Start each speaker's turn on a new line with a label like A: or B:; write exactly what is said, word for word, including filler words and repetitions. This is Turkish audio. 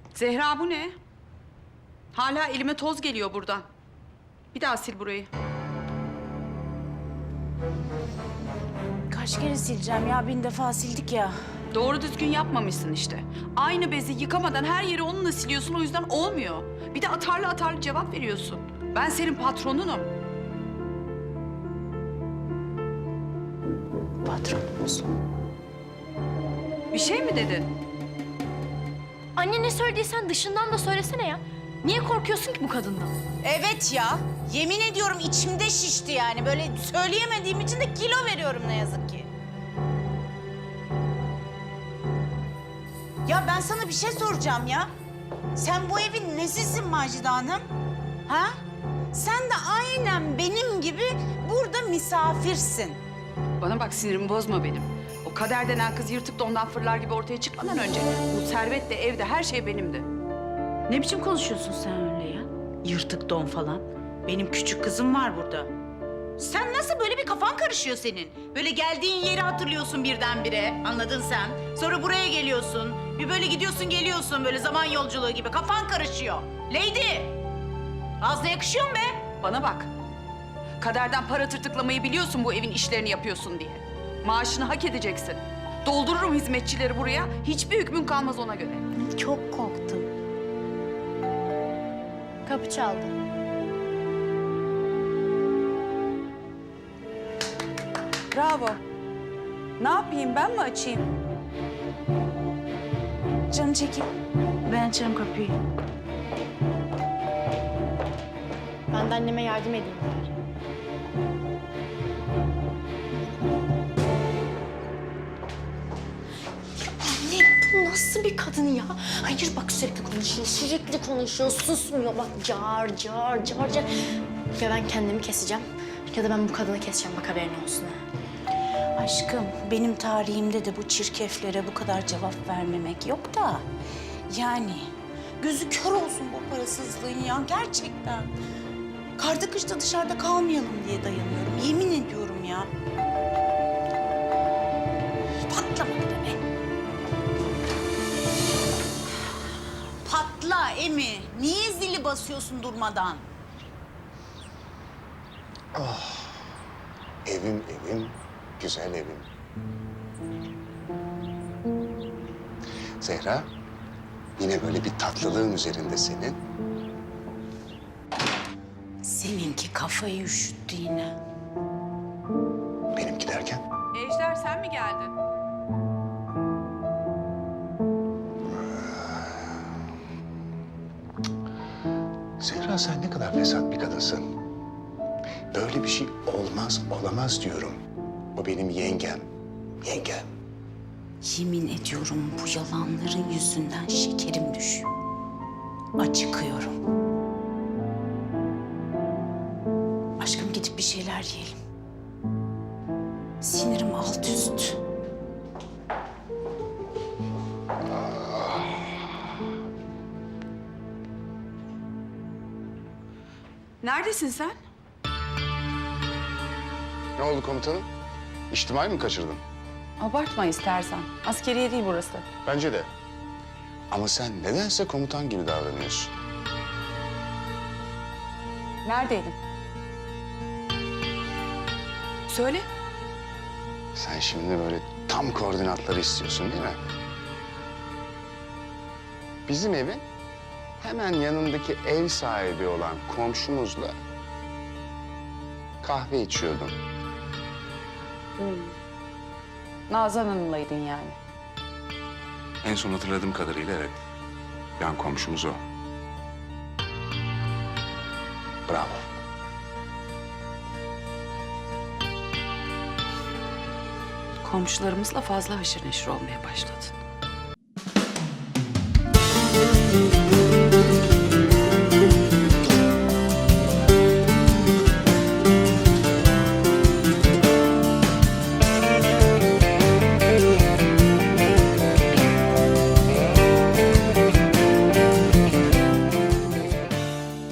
A: Zehra bu ne? Hala elime toz geliyor buradan. Bir daha sil burayı.
B: Kaç kere sileceğim ya? Bin defa sildik ya.
A: Doğru düzgün yapmamışsın işte. Aynı bezi yıkamadan her yeri onunla siliyorsun, o yüzden olmuyor. Bir de atarlı atarlı cevap veriyorsun. Ben senin patronunum.
B: Patronumuz.
A: Bir şey mi dedin?
C: Anne ne söylediysen dışından da söylesene ya. Niye korkuyorsun ki bu kadından?
B: Evet ya. Yemin ediyorum içimde şişti yani. Böyle söyleyemediğim için de kilo veriyorum ne yazık ki. Ya ben sana bir şey soracağım ya. Sen bu evin nesisin Macide Hanım? Ha? Sen de aynen benim gibi burada misafirsin.
A: Bana bak, sinirimi bozma benim. O Kader denen kız yırtık dondan fırlar gibi ortaya çıkmadan önce bu servet de evde her şey benimdi.
B: Ne biçim konuşuyorsun sen öyle ya? Yırtık don falan. Benim küçük kızım var burada. Sen nasıl böyle bir kafan karışıyor senin? Böyle geldiğin yeri hatırlıyorsun birdenbire, anladın sen. Sonra buraya geliyorsun. Bir böyle gidiyorsun geliyorsun böyle zaman yolculuğu gibi. Kafan karışıyor. Lady! Az da yakışıyor mu be?
A: Bana bak. Kaderden para tırtıklamayı biliyorsun, bu evin işlerini yapıyorsun diye. Maaşını hak edeceksin. Doldururum hizmetçileri buraya. Hiçbir hükmün kalmaz ona göre.
B: Çok korktum.
C: Kapı çaldı.
A: Bravo. Ne yapayım, ben mi açayım?
B: Canım çekil. Ben açarım kapıyı.
C: Ben de anneme yardım edeyim bari. Anne bu nasıl bir kadın ya? Hayır bak sürekli konuşuyor, sürekli konuşuyor, susmuyor. Bak car car car car. Ya ben kendimi keseceğim ya da ben bu kadını keseceğim, bak haberin olsun ha.
B: Aşkım, benim tarihimde de bu çirkeflere bu kadar cevap vermemek yok da... Yani gözü kör olsun bu parasızlığın ya, gerçekten. Karda kışta dışarıda kalmayalım diye dayanıyorum, yemin ediyorum ya. Patlamadı da be. Patla Emi, niye zili basıyorsun durmadan?
D: Evim evim, güzel evim. Zehra, yine böyle bir tatlılığın üzerinde senin.
B: Seninki kafayı üşüttü yine.
D: Benimki derken.
A: Ejder, sen mi geldin?
D: Zehra, sen ne kadar fesat bir kadınsın. Böyle bir şey olmaz, olamaz diyorum. O benim yengem, yengem.
B: Yemin ediyorum bu yalanların yüzünden şekerim düşüyor. Acıkıyorum. Aşkım gidip bir şeyler yiyelim. Sinirim alt üst.
A: Neredesin sen?
D: Ne oldu komutanım? İçtimai mi kaçırdın?
A: Abartma istersen. Askeriye değil burası.
D: Bence de. Ama sen nedense komutan gibi davranıyorsun.
A: Neredeydin? Söyle.
D: Sen şimdi böyle tam koordinatları istiyorsun değil mi? Bizim evin hemen yanındaki ev sahibi olan komşumuzla kahve içiyordum.
A: Nazan Hanım'laydın yani.
D: En son hatırladığım kadarıyla evet. Yan komşumuz o. Bravo.
A: Komşularımızla fazla haşır neşir olmaya başladın.